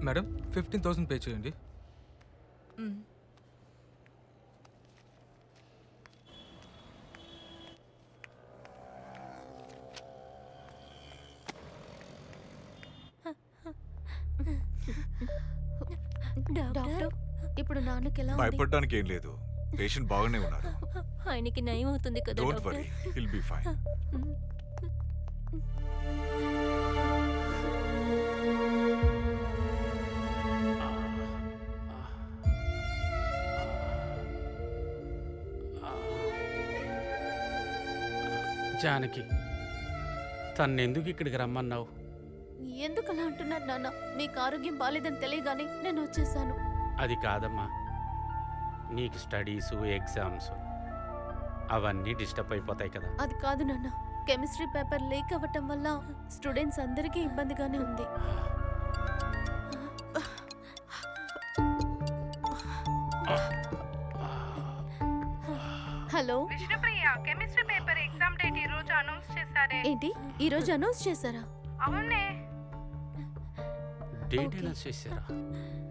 Madam 15,000 pay చేయండి. Doctor, ఇప్పుడు నాన్నకి ఎలా ఉంది? భయపడడానికి ఏం లేదు, పేషెంట్ బాగానే ఉన్నారు. ఆయనకి నయం అవుతుంది కదా don't doctor? Worry, he'll be fine. Janaki, తన్నెందుకు ఇక్కడికి రమ్మన్నావు? ఎందుకు అలా అంటున్నారు నాన్న? మీకు ఆరోగ్యం బాలేదని తెలియగానే నేను వచ్చేసాను. అది కాదమ్మా, నీకు స్టడీసు ఎగ్జామ్స్ అవన్నీ డిస్టర్బ్ అయిపోతాయి కదా. అది కాదు నాన్న, కెమిస్ట్రీ పేపర్ లీక్ అవ్వటం వల్ల స్టూడెంట్స్ అందరికీ ఇబ్బందిగానే ఉంది. Hello Vishnupriya, chemistry paper exam date ఈ రోజు అనౌన్స్ చేశారే. ఏంటి, ఈ రోజు అనౌన్స్ చేశారా? అవునే. డేట్ అనౌన్స్ చేశారా?